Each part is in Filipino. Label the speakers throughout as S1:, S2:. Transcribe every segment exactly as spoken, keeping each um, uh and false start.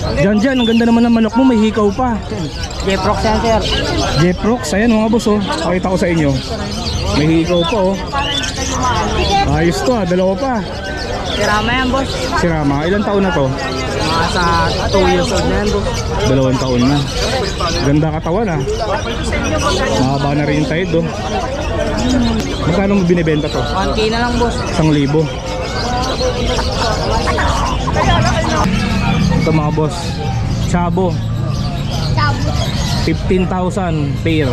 S1: Diyan dyan, ang ganda naman ng manok mo, may hikaw pa.
S2: Jeprox yan, sir.
S1: Jeprox, ayan mga boss oh. Pakita ko sa inyo. May hikaw pa oh. Ayos to ah, dalawa pa.
S2: Sirama yan, boss.
S1: Si Rama, ilang taon na to?
S2: Mga sa two years old na yan, boss.
S1: Dalawang taon na. Ganda katawan ah. Mahaba na rin yung tide oh. Magkano mo binibenta to?
S2: one K na lang, boss.
S1: Isang libo. Ito mga boss, Chabo, fifteen thousand pair.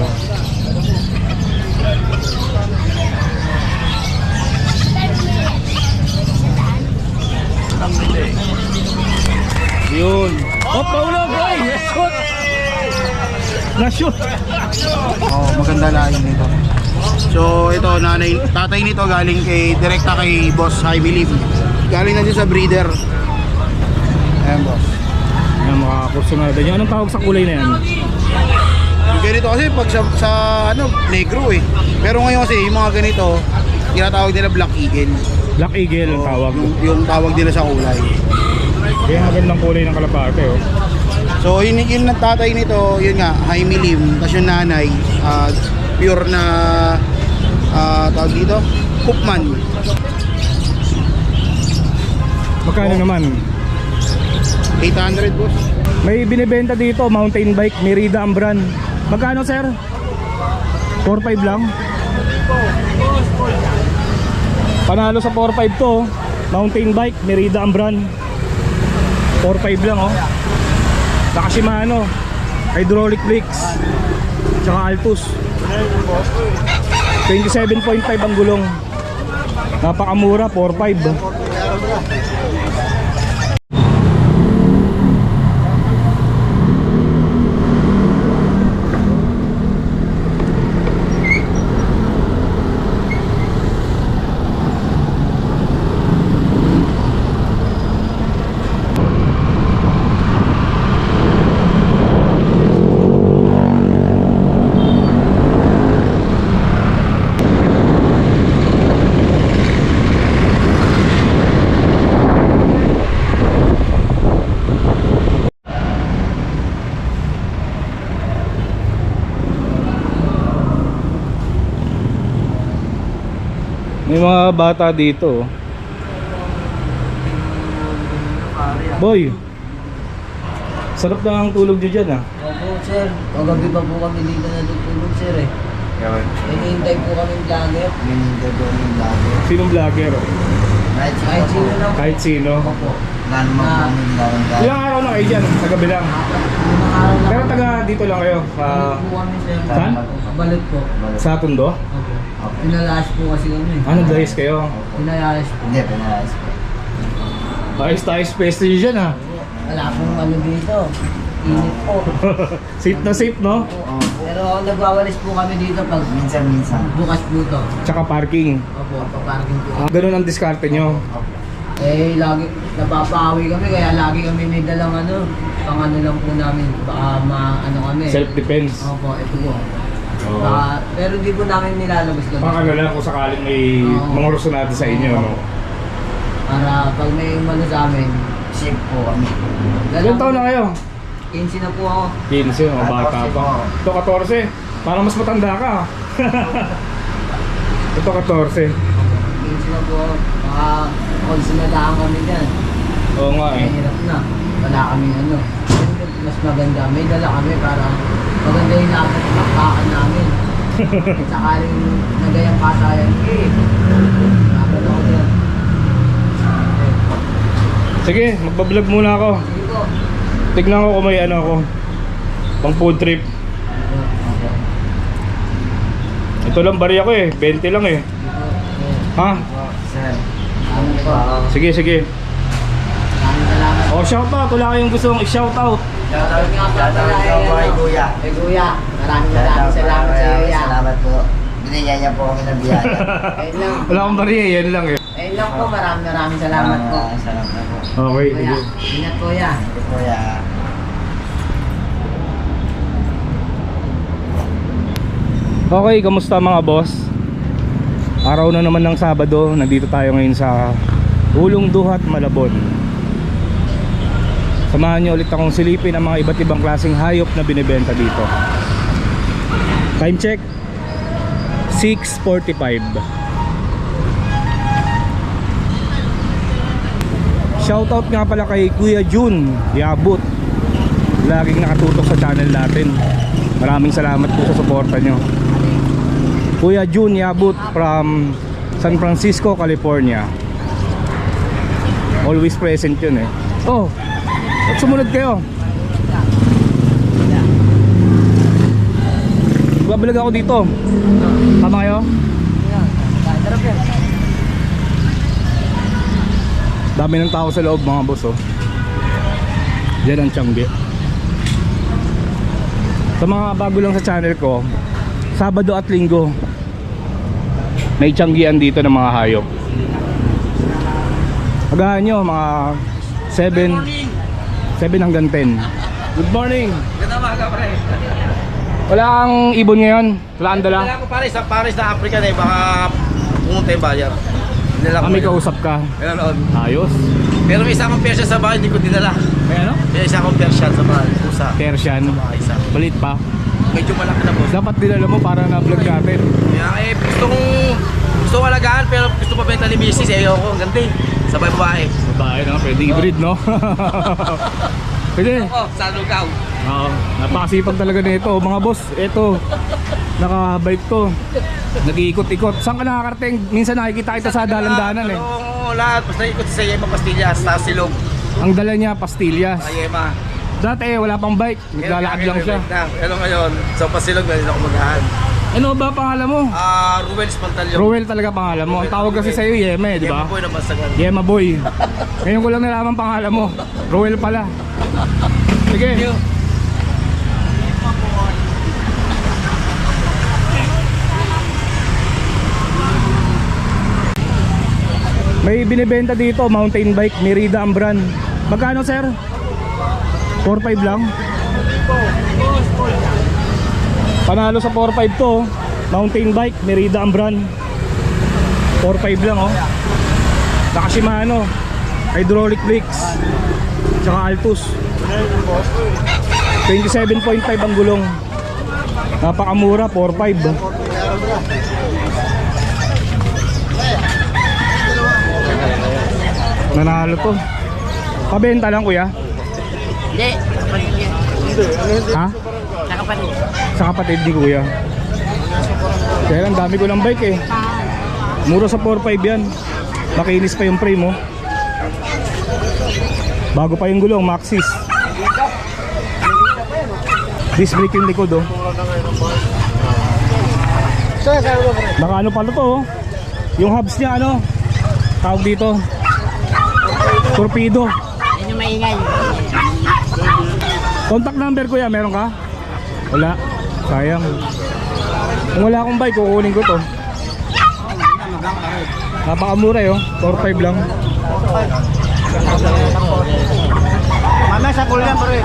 S1: Yun. Oh, paulog! Ay! Na-shoot! Na-shoot!
S3: Oh, maganda lahi nito. So ito, nanay, tatay nito galing kay direkta kay Boss Jaime Lim. Galing na din sa breeder. Ayan, boss.
S1: Ayan, mga kursunada niya. Anong tawag sa kulay na yan?
S3: Yung ganito kasi pag sa, sa ano, negro eh. Pero ngayon kasi yung mga ganito, tinatawag nila Black Eagle.
S1: Black Eagle ang tawag.
S3: Yung, yung tawag nila sa kulay.
S1: Kaya magandang kulay ng kalapate oh.
S3: So yun yung tatay nito, yun nga, Jaime Lim. Tapos yung nanay, uh, pure na uh, tawag dito, Koopman.
S1: Magkano
S3: Oh.
S1: naman?
S3: eight hundred, boss.
S1: May binibenta dito, mountain bike, Merida ang brand. Magkano sir? four five lang? Panalo sa four five to, mountain bike, Merida ang brand. four five lang oh. Saka Shimano, hydraulic brakes, tsaka Altus. twenty-seven point five ang gulong. Napakamura, four five. May mga bata dito. Boy, sarap na ang tulog nyo dyan ah.
S4: Opo, sir. Kagabi pa po kami dito natutulog, sir eh. Hinihintay po kami vlogger. Hinihintay po kami vlogger.
S1: Sinong vlogger?
S4: Kahit kahit sino lang.
S1: Kahit sino.
S4: Opo. Lalo mo kami vlogger.
S1: Ilang araw na kayo dyan? Sa gabi lang.
S4: Limang araw lang.
S1: Pero taga dito lang kayo. Uh,
S4: po kami, sir.
S1: Saan?
S4: Balot po.
S1: sa Tondo?
S4: Opo. Pinalayas po kasi kami.
S1: Ah, nag-guys kayo?
S4: Pinalayas po. Hindi, pinalayas po.
S1: Ayos tayo space nyo dyan ah.
S4: Wala pong ano dito. Init po.
S1: Safe na safe no?
S4: Opo. Pero nagwawalis po kami dito pag minsan-minsan. Bukas po to.
S1: Tsaka parking.
S4: Opo, pag-parking po.
S1: Ah, ganun ang diskarte nyo.
S4: Eh, lagi, napapawi kami, kaya lagi kami may dalang ano, pang ano lang po namin, baka ma, ano kami.
S1: Self-defense.
S4: Opo, ito po.
S1: Oo.
S4: Baka, pero di po namin nilalabas kami.
S1: Pang ano lang kung sakaling may
S4: Oo.
S1: mga rusunado sa inyo. No?
S4: Para pag may umano sa amin, safe po kami.
S1: Ilan taon na kayo?
S4: quince na po ako.
S1: quince, mga bata pa. Ito fourteen, parang mas matanda ka. Ito fourteen.
S4: quince na po ako. Baka konsinadaan kami dyan.
S1: Oo nga eh.
S4: Mahirap na. Wala kami ano. Mas maganda. May dala kami para maganda yung nakakakaan namin. Sakaling nagayang kasayan. Eh, nakapal ako dyan.
S1: Sige, magbablog muna ako.
S4: Sige po.
S1: Tignan ko kung may ano ako. Pang food trip. Ito lang bari ako eh. twenty lang eh. Ha?
S4: Sir, ano po?
S1: Sige, sige.
S4: Maraming salamat.
S1: Oh, shout out. Wala kayong gusto mong i-shout out.
S4: Shoutout nga pala pala kay Kuya. Kay Kuya. Maraming maraming salamat sa iyo, Kuya.
S5: Salamat po. Binigyan niya po kami ng biyaya.
S4: Ayun lang.
S1: Wala akong bari eh. Yan lang eh.
S4: Ayun lang po. Maraming maraming salamat po.
S5: Salamat po.
S1: Okay,
S4: Kuya.
S1: sige.
S4: Ingat Kuya.
S5: Kuya.
S1: Okay, kamusta mga boss? Araw na naman ng Sabado. Nandito tayo ngayon sa Ulong Duhat, Malabon. Samahan niyo ulit akong silipin ang mga iba't ibang klaseng hayop na binibenta dito. Time check six forty-five. Shoutout nga pala kay Kuya Jun Yabut, laging nakatutok sa channel natin. Maraming salamat po sa suporta nyo. Kuya Jun Yabut from San Francisco, California. Always present yun eh. Oh, at sumunod kayo. Babalag ako dito. Tama kayo? Dami ng tao sa loob mga boss oh. Diyan ang Tiangge. Sa mga bago lang sa channel ko, Sabado at Linggo may Tianggean dito ng mga hayop. Agahan nyo mga seven hanggang ten. Good morning.
S3: Ganda mga pre.
S1: Wala kang ibon ngayon? Wala kang dala?
S3: Wala ko pare, sa Paris na Africa na eh, baka pumunta yung bayar. Dinala ko
S1: Kami
S3: yun.
S1: kausap ka.
S3: Ganoon.
S1: Ayos.
S3: Pero may isa akong Persian sa bahay, hindi ko dinala.
S1: May ano?
S3: May isa akong Persian sa bahay, pusa.
S1: Persian.
S3: Mga isa.
S1: Balit pa.
S3: Medyo malaki na boss.
S1: Dapat dinala mo para na-vlog natin.
S3: Kaya eh, gusto kong, gusto kong alagaan, pero gusto pa benta ni Missus, eh, ayoko, ang ganda eh. Sabay babae.
S1: Babae na, pwede hybrid no? Pwede.
S3: Oh, sa lugaw.
S1: Oo, napakasipag talaga nito mga boss. Ito, nakabike to. Nag-iikot-ikot. Saan ka nakakarating? Minsan nakikita kita sa dalan-danan eh.
S3: Oo, lahat. Basta ikot sa Yema Pastillas, sa Silog.
S1: Ang dala niya, pastillas.
S3: Sa Yema.
S1: Dati eh, wala pang bike. Naglalakad lang siya.
S3: Pero ngayon, sa Pasilog, meron ako magahan.
S1: Ano ba pangalan mo?
S3: Ah, Ruel's Pantalyon.
S1: Rowel talaga pangalan mo. Ang tawag kasi sa'yo, Yeme, di ba?
S3: Yema po yung nabasagan.
S1: Yema boy. Ngayon ko lang nalaman pangalan mo. Rowel pala. Sige. May binibenta dito, mountain bike, Merida ang brand. Magkano sir? four five lang? Panalo sa four five to, mountain bike, Merida ang brand. four five lang oh. Naka Shimano, hydraulic brakes, tsaka Altus. twenty-seven point five ang gulong. Napakamura, four five. Nanalo to. Pabenta lang kuya?
S2: Hindi.
S1: Ha?
S2: Sa kapatid.
S1: Sa kapatid ni kuya. Kaya lang dami ko ng bike eh. Mura sa four five yan. Makinis pa yung frame oh. Bago pa yung gulong, Maxxis. Disc brake yung likod oh. Naka ano pala to oh. Yung hubs niya ano, tawag dito, torpedo.
S2: Yan yung maingay.
S1: Contact number kuya, meron ka? Wala, sayang. Kung wala akong bike, kukunin ko to. Napakamura eh oh, four five lang.
S3: Mama, sa kulang pare.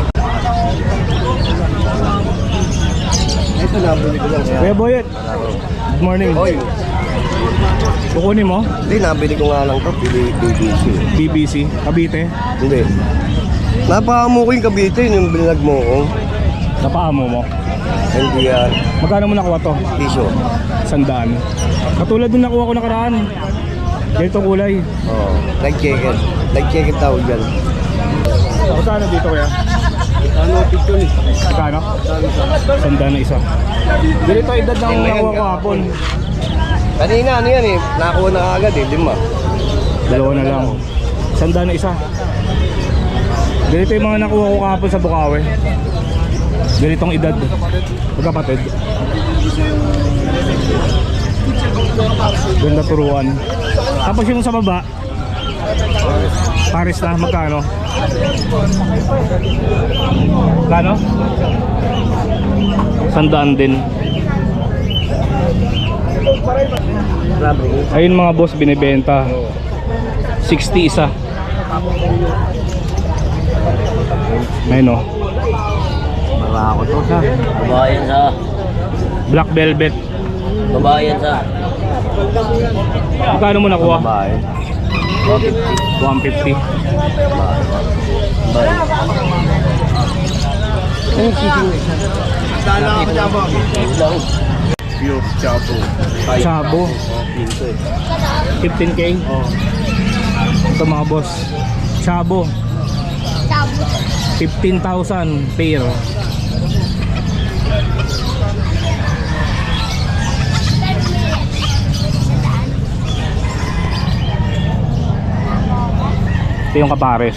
S3: Ito na, bili ko lang.
S1: Kuya Boyet, good morning.
S3: Oy,
S1: Kukunin mo?
S3: hindi, nabili ko nga lang to, B B C.
S1: B B C, Cavite.
S3: Hindi. Napakamu ko yung Cavite, yung binag mo ko.
S1: Napaamo mo.
S3: Hindi yan.
S1: Magkano mo nakuha to?
S3: Piso.
S1: Sandaan. Katulad nung nakuha ko nakaraan. Ganito kulay.
S3: Oo. Nag-check-in. Nag-check-in tawag yan.
S1: Magkano dito kuya?
S3: Ano, picture ni?
S1: Magkano? Sandaan na isa. Ganito edad ng nakuha ko hapon.
S3: Kanina, ano yan eh. Nakakuha na agad eh. Lima.
S1: Dalawa na lang. Sandaan na isa. Ganito yung mga nakuha ko kahapon sa Bukawi. Ganitong edad. Magkapatid. Ganda turuan. Tapos yung sa baba, Paris na, magkano? Magkano? Sandaan din. Ayun mga boss, binibenta sixty isa. Ayun o,
S5: Baba ako to sa. Babae yan sa.
S1: black velvet.
S5: Babae yan sa.
S1: Magkano mo nakuha?
S5: Babae.
S1: one fifty.
S3: Dala ako dyan mo.
S5: Pure Chapo.
S1: Chabo. fifteen K. Ito mga boss. Chabo. fifteen thousand pair. Ito yung kapares.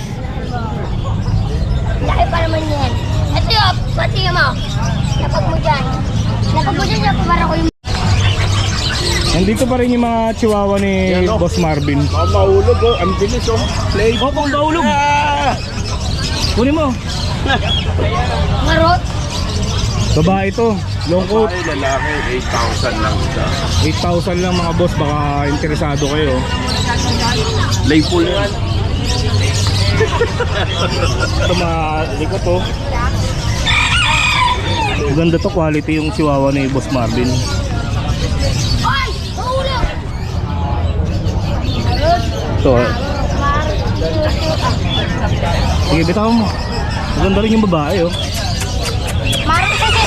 S6: Laki pa naman yan. Ito yun, pati mo. Lapag mo dyan. Lapag mo dyan, lapag ko yung...
S1: Nandito pa rin yung mga chihuahua ni Boss Marvin.
S3: Oh, mahulog oh. Ang bilis oh. Play.
S1: Oh, kung mahulog. Kunin mo.
S6: Marot.
S1: Babae ito. Long coat.
S5: Ay, lalaki, eight thousand lang isa.
S1: eight thousand lang mga boss. Baka interesado kayo.
S5: Lay full yan.
S1: Ito mga likot to. Maganda to, quality yung chihuahua ni Boss Marvin.
S6: Ay! Mahulog!
S1: Ito eh. Sige, bitaw mo. Maganda rin yung babae oh.
S6: Marot kasi.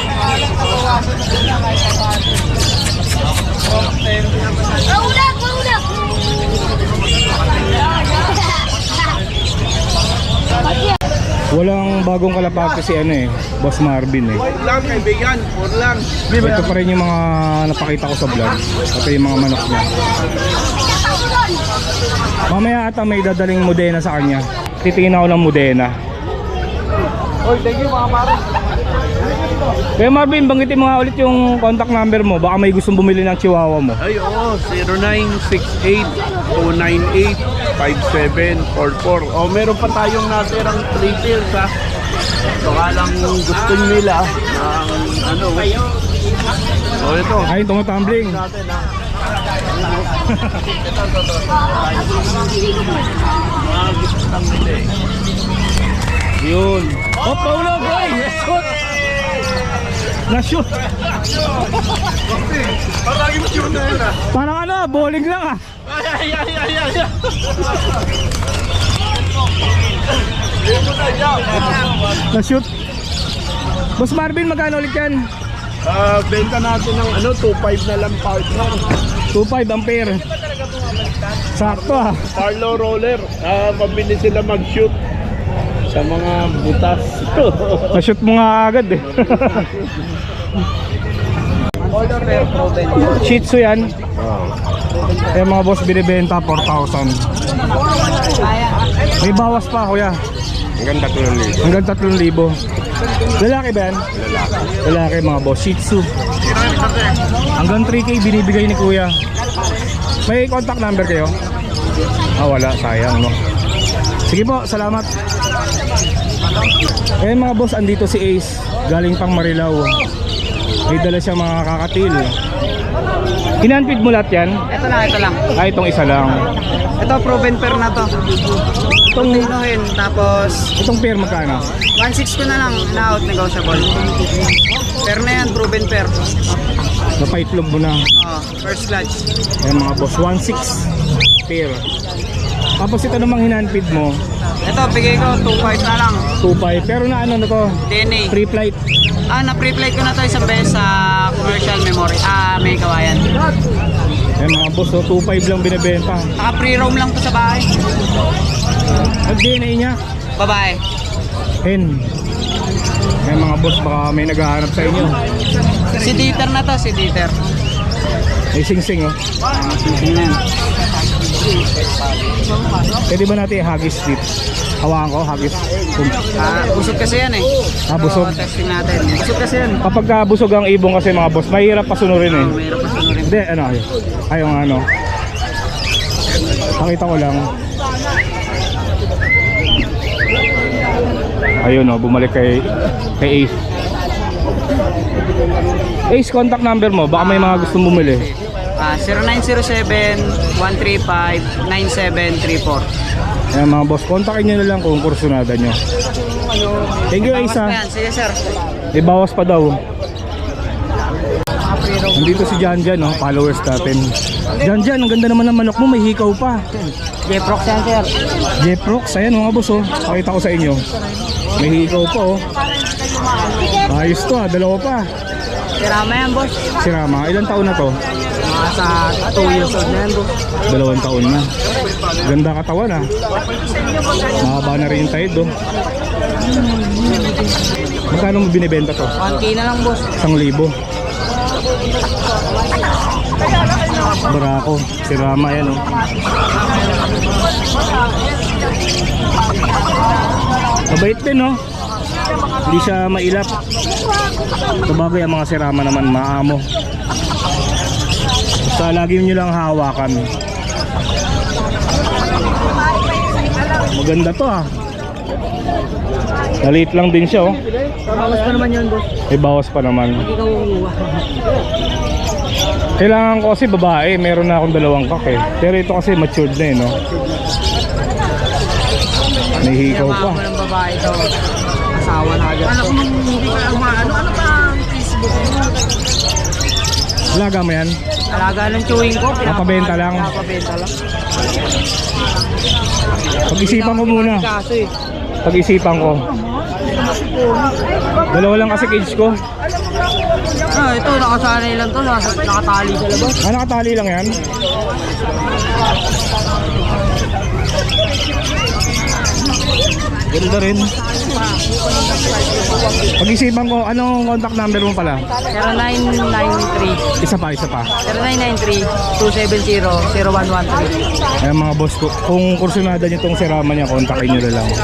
S6: Mahulog! Mahulog!
S1: Walang bagong kalapate si ano eh, Boss Marvin eh.
S3: Wait lang kaibigan. Four lang.
S1: Ito pa rin yung mga napakita ko sa vlog. Ito yung mga manok niya. Mamaya ata may dadaling Modena sa kanya. Titingin ako ng Modena.
S3: Oy, thank you mga pare.
S1: Kaya Marvin, banggitin mo nga ulit yung contact number mo. Baka may gustong bumili ng chihuahua mo.
S5: Ay, oo. zero nine six eight two nine eight five seven four four. O, meron pa tayong natirang three pairs ha. Baka lang gusto nila ng ano. O, ito.
S1: Ay, tumatumbling.
S5: Natin ha. Mga gusto lang nila eh.
S1: Yun. Oh, Paulo, boy! Shoot! Na-shoot!
S3: Parang yung tune na yun ah.
S1: Parang ano, bowling lang ah.
S3: Ay, ay, ay, ay, ay, ay.
S1: Na-shoot. Boss Marvin, magkano ulit yan?
S5: Ah, benta natin ng ano, two five na lang partner.
S1: two five ampere. Sakto ah.
S5: Carlo Roller. Ah, mabilis sila mag-shoot sa mga butas.
S1: Na-shoot mo nga agad eh. Shih Tzu yan. Kaya mga boss binibenta four thousand. May bawas pa kuya.
S5: Hanggang tatlong libo.
S1: Hanggang tatlong libo. Lalaki ba yan?
S5: Lalaki.
S1: Lalaki mga boss. Shih Tzu. Hanggang three K binibigay ni kuya. May contact number kayo? Ah wala, sayang no. Sige po, salamat. Eh mga boss, andito si Ace. Galing pang Marilao. May dala siya mga kakatil. Hinanpid mo lahat yan?
S4: Ito lang, ito lang.
S1: Ah, itong isa lang.
S4: Ito, proven pair na to.
S1: Itong,
S4: Tinuhin, tapos
S1: itong pair magkano?
S4: one six ko na lang, na-out negotiable. Pair na yan, proven pair.
S1: Napaitlog mo na.
S4: Oh, first clutch.
S1: Ayan mga boss, one six pair. Tapos ito namang hinanpid mo,
S4: Ito, bigay ko, two five na lang.
S1: two five. Pero na ano na to?
S4: D N A.
S1: Free flight.
S4: Ah, na-pre-plate ko na to isang beses sa commercial memory. Ah, may kawayan.
S1: Ayan mga boss, so two five lang binibenta.
S4: Saka pre-roam lang to sa bahay.
S1: Ang D N A niya,
S4: Babae.
S1: hen. Ayan mga boss, baka may naghahanap sa inyo.
S4: Si Dieter na to, si Dieter.
S1: May sing-sing oh.
S4: Ah, sising na yan.
S1: Pwede ba natin i-hagis dito? Hawakan ko, hagis.
S4: Ah, busog kasi yan eh.
S1: Ah, busog.
S4: So, testing natin. Busog kasi yan.
S1: Kapag ka busog ang ibong kasi mga boss, mahirap pasunurin eh.
S4: Oh, mayroon pa sunurin.
S1: Hindi, ano, ay yung ano. Pakita ko lang. Ayun oh, bumalik kay kay Ace. Ace, contact number mo, baka may mga gustong bumili.
S4: Ah, zero nine zero seven, one three five, nine seven three four.
S1: Ayan mga boss, kontakin nyo na lang kung kursunada nyo. Thank you Ace
S4: Bawas pa
S1: ha.
S4: yan. Sige sir.
S1: May bawas pa daw. Nandito si Jan Jan, no? Followers natin. Jan Jan, ang ganda naman ng manok mo, may hikaw pa.
S4: Jeprox yan, sir.
S1: Jeprox, ayan mga boss, oh. Pakita ko sa inyo. May hikaw pa, oh. Ayos to, ah. Dalawa pa.
S4: Sirama yan, boss.
S1: Si Rama, ilang taon na to?
S4: Mga sa two years old na yan, boss.
S1: Dalawang taon na. Ganda katawan, ah. Mahaba na rin yung tide, oh. Magkano mo binibenta to?
S4: one K na lang, boss.
S1: Isang libo. Barako, si Rama yan, oh. Mabait din, no? Hindi siya mailap. Sabagay ang mga si Rama naman, maamo. Basta lagi nyo lang hawakan. Maganda to, ah. Maliit lang din siya, oh.
S4: Bawas pa naman yun, boss.
S1: May bawas pa naman.
S4: Ikaw uuwa.
S1: Kailangan ko kasi babae, meron na akong dalawang kak eh. Pero ito kasi matured na eh, no? May hikaw pa.
S4: Ako ng babae ito. Asawa na agad. Anak mo, hindi ka umaano. Ano ba ang Facebook mo?
S1: Alaga mo yan?
S4: Alaga ng chewing ko.
S1: Napabenta lang?
S4: Napabenta lang.
S1: Pag-isipan ko muna.
S4: Kaso eh.
S1: Pag-isipan ko. Dalawa lang kasi cage ko.
S4: Ah, ito, nakasanay lang to. Nas- Nakatali sa labas.
S1: Ah, nakatali lang yan? Ganda rin. Pag-isipan ko, anong contact number mo pala?
S4: zero nine nine three
S1: Isa pa, isa pa.
S4: zero nine nine three two seven zero zero one one three.
S1: Ayan mga boss ko, kung kursunada nyo itong si Rama niya, kontakin nyo na lang.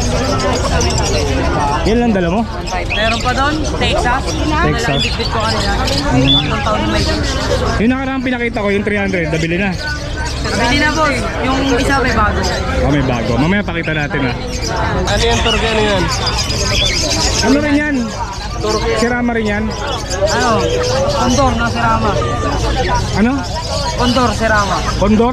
S1: Yan lang dala mo?
S4: Meron pa doon, Texas.
S1: Texas.
S4: Nalang bitbit ko kanina. Tatlong taon na may
S1: Yung nakaraan pinakita ko, yung three hundred, nabili na.
S4: Nabili na, boss. Yung isa may bago.
S1: Oh, may bago. Mamaya pakita natin ah.
S5: Ano yung turga na yan?
S1: Ano rin yan? Si Rama rin yan?
S4: Ano? Condor na Serama.
S1: Ano?
S4: Condor Serama.
S1: Condor?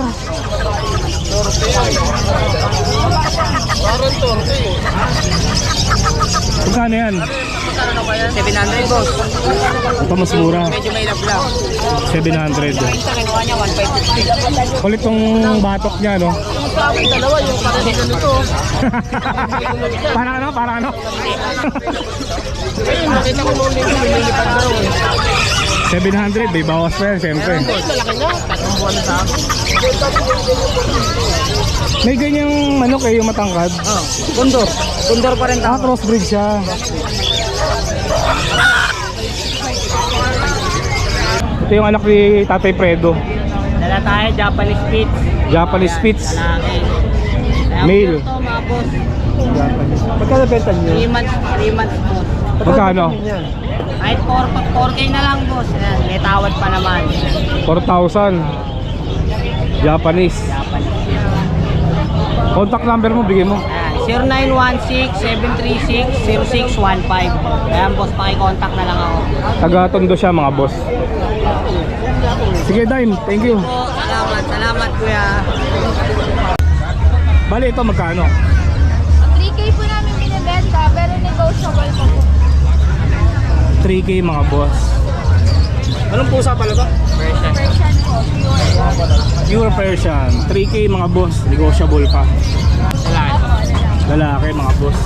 S1: Magkano yan?
S4: seven hundred, boss.
S1: Ito mas mura.
S4: Medyo may love lang.
S1: seven hundred.
S4: Sa kinuha niya, one five fifty.
S1: Kulit tong batok niya, no?
S4: Yung dalawa, yung para din ano to.
S1: Para ano? Para ano?
S4: Nakita ko noon dito, lumilipad daw.
S1: seven hundred, may bawas pa yan, siyempre.
S4: Malaki na. Tatlong buwan na sa akin.
S1: May ganyang manok eh, yung matangkad.
S4: Oh, Condor. Condor pa rin
S1: Ah,
S4: tao.
S1: crossbreed siya. Ito yung anak ni Tatay Fredo.
S4: Dala tayo, Japanese Spitz.
S1: Japanese Spitz.
S4: Lalaki.
S1: Male.
S4: Ito, mga boss.
S1: Magkano benta niyo?
S4: three months, three months, boss.
S1: Magkano?
S4: Kahit four K na lang, boss. Ayan, may tawad pa naman.
S1: four thousand. Japanese.
S4: Japanese.
S1: Contact number mo, bigay mo.
S4: zero nine one six seven three six zero six one five. Ayan, boss, paki-contact na lang ako.
S1: Taga-Tondo siya, mga boss. Sige, Dime. Thank you.
S4: Po, salamat, salamat, kuya.
S1: Bali, ito magkano?
S6: three K po namin binibenta, pero negotiable po po.
S1: three K, mga boss. Anong pusa pala ba?
S6: Persian po, pure.
S1: Pure Persian. three K, mga boss. Negotiable pa. Lalaki, mga boss.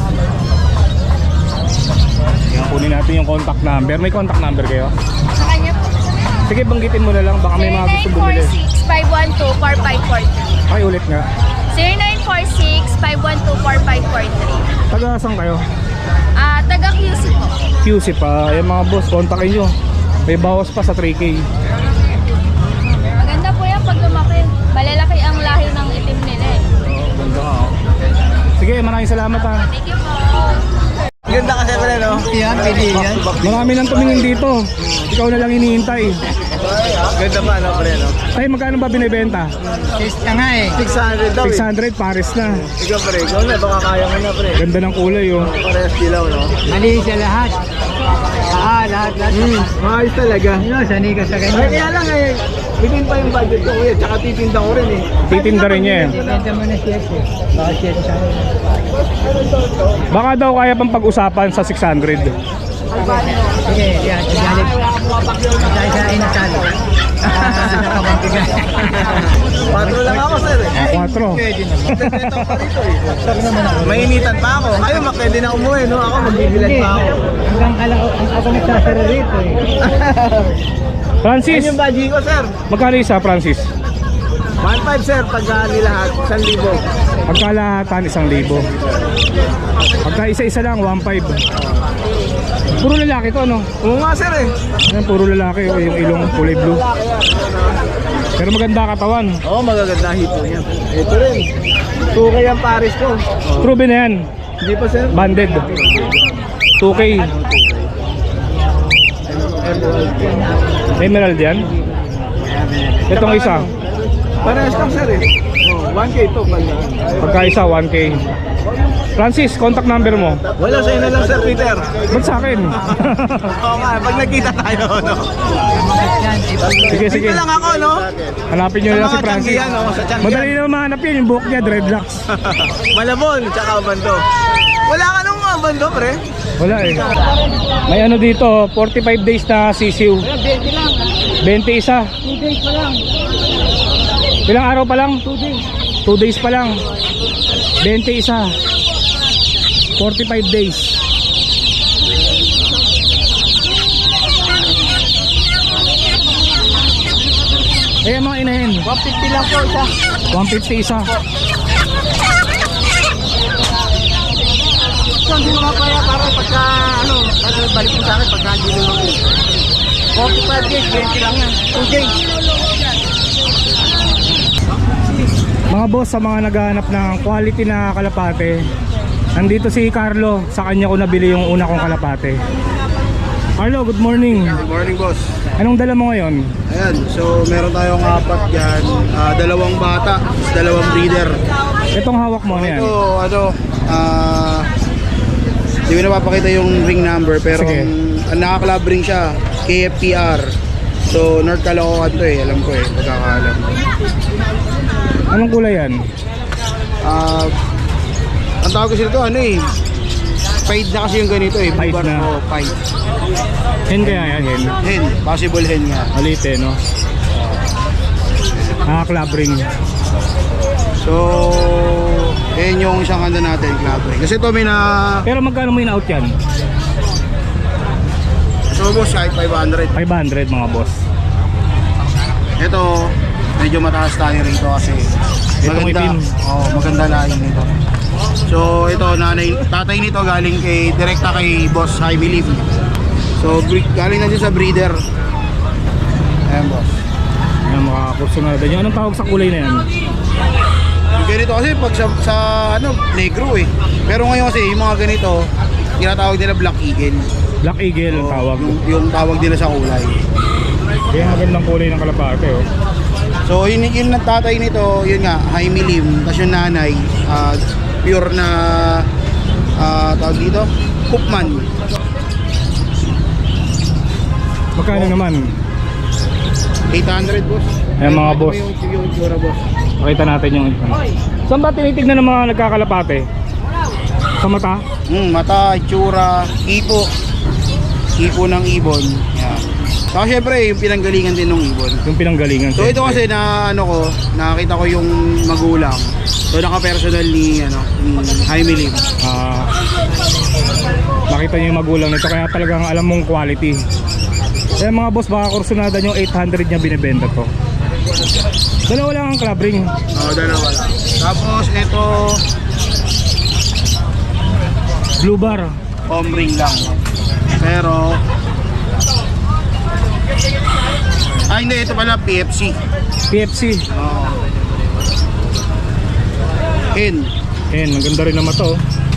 S1: Yan, kunin natin yung contact number. May contact number kayo?
S6: Sa kanya po.
S1: Sige, banggitin mo na lang. Baka may mga gusto bumili.
S6: zero nine four six five one two four five four three.
S1: Ay, ulit nga.
S6: zero nine four six five one two four five four three.
S1: Taga saan kayo?
S6: Ah, taga Q C po.
S1: Q C pa. Ayan mga boss, kontakin nyo. May bawas pa sa three K.
S6: Maganda po yan pag lumaki. Malalaki ang lahi ng itim nila eh.
S1: Ganda ka, oh. Sige, maraming salamat ha.
S6: Thank you po.
S4: Ganda ka siyempre, no? Yan, pili yan.
S1: Marami nang tumingin dito. Ikaw na lang hinihintay.
S5: Ganda pa, no, pre, no?
S1: Tay, magkano ba binibenta?
S4: Sis ka nga eh.
S5: six hundred daw,
S1: six
S5: eh.
S1: hundred, pares na.
S5: Ikaw, pre, ikaw na, baka kaya mo na, pre.
S1: Ganda ng kulay, oh.
S5: Parehas dilaw, no?
S4: Mali siya lahat. Ah, lahat, lahat.
S5: Hmm, maayos talaga.
S4: Ano, sanay ka sa
S5: Ay,
S4: ganyan.
S5: kaya lang, eh. Bigyan pa yung budget ko, kuya. Tsaka titinda ko rin, eh.
S1: Titinda rin niya, eh.
S4: Benta mo na siya eh. Baka siya sa akin.
S1: Baka daw kaya pang pag-usapan sa six hundred.
S4: Sige, yan. Galit. Isa-isa ay nasalo.
S7: Patro lang ako, sir. eh.
S1: Ah, quattro.
S7: Mainitan pa ako. Ayun, pwede na umuwi, no? Ako, magbibilan pa ako.
S4: Hanggang kala ako nagsasara rito eh.
S1: Francis,
S7: Yan yung budgie ko, sir.
S1: magkano isa, Francis?
S7: one five, sir, pag uh, nilahat, one thousand.
S1: Pagkalahatan, isang libo. Pagka isa-isa lang, one five. Puro lalaki to, no?
S7: Oo nga, sir, eh.
S1: Yan, puro lalaki, oh, yung ilong kulay blue. Pero maganda katawan.
S7: Oo, magaganda hito niya. Ito rin. two K ang Paris ko.
S1: True na yan.
S7: Hindi pa, sir.
S1: Banded. two K. Emerald yan. Itong isa.
S7: Parehas lang, sir, eh. Oh, one K to. Pag,
S1: Pagka isa, one K. Francis, contact number mo.
S7: wala sa'yo na lang, sir, Peter.
S1: Ba't sa akin?
S7: Oo nga, pag nagkita tayo, no?
S1: Sige, sige.
S7: Dito lang ako, no?
S1: Hanapin nyo
S7: Sa
S1: lang si
S7: mga
S1: Francis.
S7: Tianggian, no? Sa Tianggian.
S1: Madali na mahanap yan, yung buhok niya, dreadlocks.
S7: Malabon, tsaka bando. Wala ka nung mga bando, pre.
S1: Wala eh. May ano dito, forty-five days na sisiw. twenty isa.
S4: two days pa lang.
S1: Ilang araw pa lang? two days. two days pa lang. twenty isa. forty-five days. Eh, mga inahin.
S7: one fifty lang po isa.
S1: one fifty isa.
S7: So, hindi mo mapaya para pagka, ano, para balik mo sa akin pagka hindi mo lang. forty-five days, twenty lang yan. two days.
S1: Mga boss, sa mga naghahanap ng quality na kalapate, nandito si Carlo. Sa kanya ko nabili yung una kong kalapate. Carlo, good morning.
S3: Good morning, boss.
S1: Anong dala mo ngayon?
S3: Ayan, so meron tayong apat dyan. Ah, dalawang bata, dalawang breeder.
S1: Itong hawak mo, ano yan?
S3: Ito, ano, ah, hindi ko napapakita yung ring number, pero
S1: Sige.
S3: ang, ang nakaklab ring siya, K F P R. So, North Caloocan to eh, alam ko eh, pagkakaalam.
S1: Anong kulay yan?
S3: Ah, ang tawag kasi ito, ano eh, pied na kasi yung ganito eh.
S1: Pied
S3: Bubar-
S1: na.
S3: Oo, pied.
S1: Hen kaya yan, hen?
S3: Hen, possible hen nga.
S1: Malit eh, no? Ah, club ring.
S3: So, yan yung isang ano natin, club ring. Kasi ito may na,
S1: Pero magkano mo in-out yan?
S3: so boss, kahit five hundred.
S1: five hundred mga boss.
S3: Ito, medyo mataas tayo rito kasi
S1: Itong
S3: maganda,
S1: itim.
S3: oh, maganda lain nito. So ito, nanay, tatay nito galing kay, direkta kay Boss Jaime Lim. So bre- galing na din sa breeder. Ayan, boss.
S1: Ayan, mga kursunada nyo. Anong tawag sa kulay na yan?
S3: Yung ganito kasi pag sa, sa ano, negro eh. Pero ngayon kasi yung mga ganito, tinatawag nila Black Eagle.
S1: Black Eagle ang
S3: So,
S1: tawag.
S3: Yung, yung tawag nila sa kulay.
S1: Kaya magandang kulay ng kalapate, oh.
S3: So yun yung tatay nito, yun nga, Jaime Lim. Tapos yung nanay, ah, pure na, ah, tawag dito, Cookman.
S1: Magkano naman?
S3: eight hundred, boss.
S1: Ayan, mga boss.
S3: Yung, yung tsura, boss.
S1: Pakita natin yung ano. Saan ba tinitignan ng mga nagkakalapate? Sa mata?
S3: Mm, mata, itsura, ipo. Ipo ng ibon. Yan. Saka syempre, yung pinanggalingan din ng ibon.
S1: Yung pinanggalingan.
S3: So ito kasi na ano ko, nakita ko yung magulang. So naka-personal ni ano, ni Jaime Lim.
S1: Ah, makita niyo yung magulang nito kaya talagang alam mong quality. Kaya mga boss, baka kursunada nyo eight hundred niya binibenta to. Dalawa lang ang club ring.
S3: Oh, dalawa lang. Tapos ito,
S1: Blue bar.
S3: home ring lang. Pero ah hindi, ito pala P F C.
S1: P F C.
S3: Oh. Hen.
S1: Ayan, ang ganda rin naman to.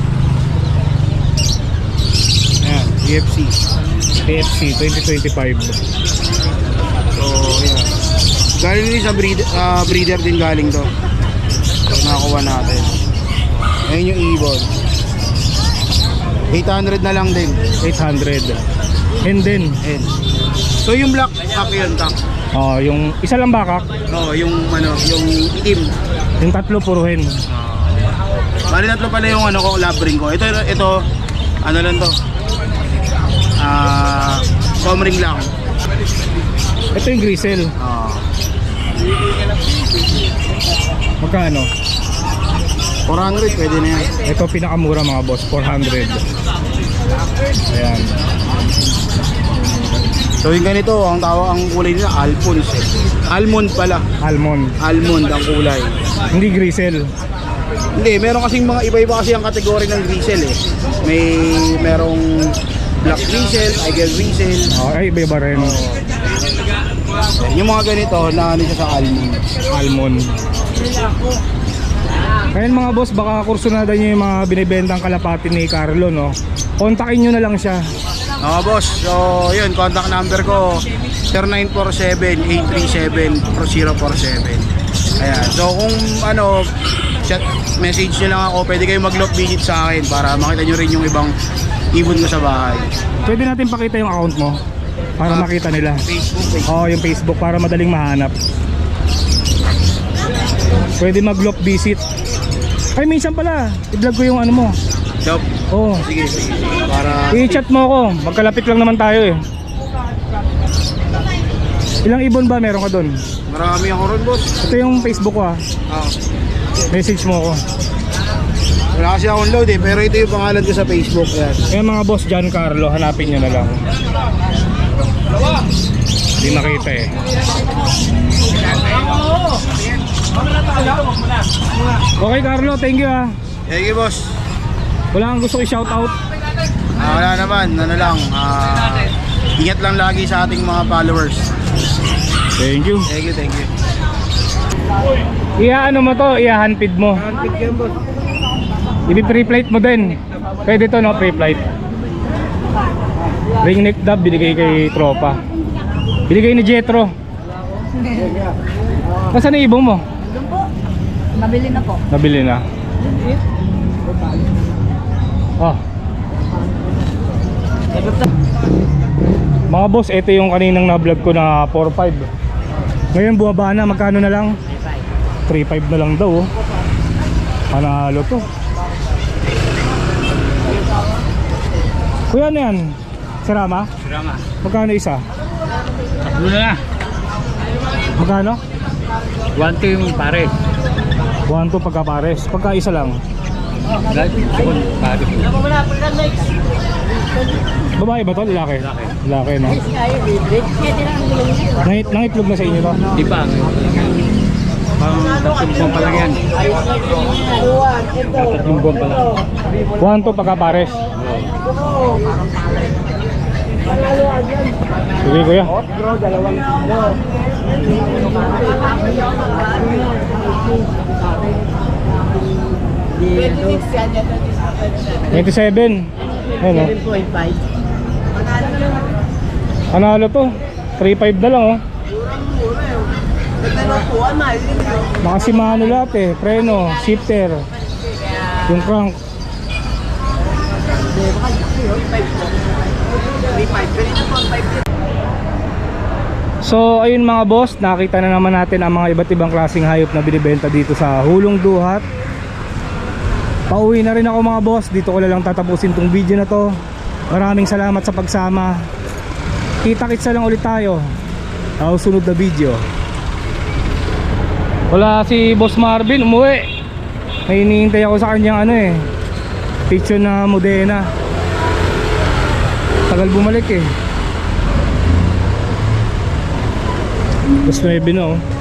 S1: Ayan,
S3: P F C.
S1: P F C twenty twenty-five.
S3: So, yeah. Galing din sa breeder, ah, breeder din galing to. So, nakakuha natin. Ayun yung ibon. eight hundred na lang din.
S1: eight hundred. And then,
S3: Hen. So, yung black, kak yun, kak.
S1: oh, yung isa lang bakak,
S3: Oo, yung ano, yung itim.
S1: yung tatlo puro hen.
S3: Bali tatlo pala yung ano ko, lab ring ko. Ito, ito, ano lang to. Ah, home ring lang.
S1: Ito yung Grisel.
S3: Ah,
S1: Magkano?
S3: four hundred pwede na yan.
S1: Ito pinakamura mga boss, four hundred. Ayan.
S3: So yung ganito, ang tawag ang kulay nila Alphonse. Eh. Almond pala.
S1: Almond.
S3: Almond ang kulay.
S1: Hindi Grisel.
S3: Hindi, meron kasing mga iba-iba kasi ang kategory ng grisel eh. May merong black grisel, tiger grisel.
S1: Oh, ay, iba-iba rin.
S3: Yung mga ganito, na ano siya sa almond.
S1: Almond. Kaya mga boss, baka kursunada nyo yung mga binibentang kalapati ni Carlo, no? Kontakin nyo na lang siya.
S3: Oo boss, so yun, contact number ko zero nine four seven, eight three seven, zero four seven. Ayan, so kung ano, chat, message nyo lang ako, pwede kayo mag-lock visit sa akin para makita nyo rin yung ibang ibon ko sa bahay.
S1: Pwede natin pakita yung account mo para
S3: Ah,
S1: makita nila.
S3: Facebook, Facebook.
S1: Oo, yung Facebook para madaling mahanap. Pwede mag-lock visit. Ay, minsan pala, i-vlog ko yung ano mo.
S3: So,
S1: Oo.
S3: sige, sige, sige. Para
S1: I-chat mo ako, magkalapit lang naman tayo eh. Ilang ibon ba meron ka doon?
S3: marami ako ron boss.
S1: Ito yung Facebook ko ah.
S3: Ah,
S1: Message mo ako.
S3: wala kasi akong load eh, pero ito yung pangalan ko sa Facebook. Ayan.
S1: Yung mga boss Giancarlo, hanapin nyo na lang. Hindi makita eh. Okay Carlo, thank you ah.
S3: Thank you boss.
S1: Wala kang gusto i-shoutout?
S3: Ah, wala naman, ano lang, ah, ingat lang lagi sa ating mga followers.
S1: Thank you.
S3: Thank you, thank you.
S1: Iya ano mo to, iya handpid mo.
S3: Handpick yan boss.
S1: Ibi-pre-flight mo din. Pwede to no, pre-flight. Ring neck dub binigay kay tropa. Binigay ni Jetro. Nasaan na ibong mo?
S6: Mabili na po.
S1: Nabili na. Oh. Mga boss, ito yung kaninang na-vlog ko na four five. Ngayon bumaba na, magkano na lang? three five na lang daw. Oh. Panalo to. Kuya, ano yan? Sirama?
S2: Drama.
S1: Magkano isa?
S2: Ano na?
S1: Magkano?
S2: One team pare.
S1: one two pagkapares. Pagka isa lang.
S2: Second pare.
S1: Babae ba to? Lalaki?
S2: Lalaki.
S1: Lalaki, no? Nangit, nangitlog na sa inyo to?
S2: Di ba? Pang tatlong buwan pa lang yan. Tatlong buwan pa lang.
S1: one two pagkapares. Sige kuya. twenty-seven. Ayun o. Panalo to. three five na lang oh. Nakasimano lahat eh. Preno, shifter, yung crank. So ayun mga boss, nakita na naman natin ang mga iba't ibang klaseng hayop na binibenta dito sa Hulong Duhat. Pauwi na rin ako mga boss, dito ko na lang tatapusin tong video na to. Maraming salamat sa pagsama. Kita-kits na lang ulit tayo sa susunod na video. Wala si Boss Marvin, umuwi. May hinihintay ako sa kanyang ano eh, picture na Modena. Tagal bumalik eh. Mas nuebe na oh.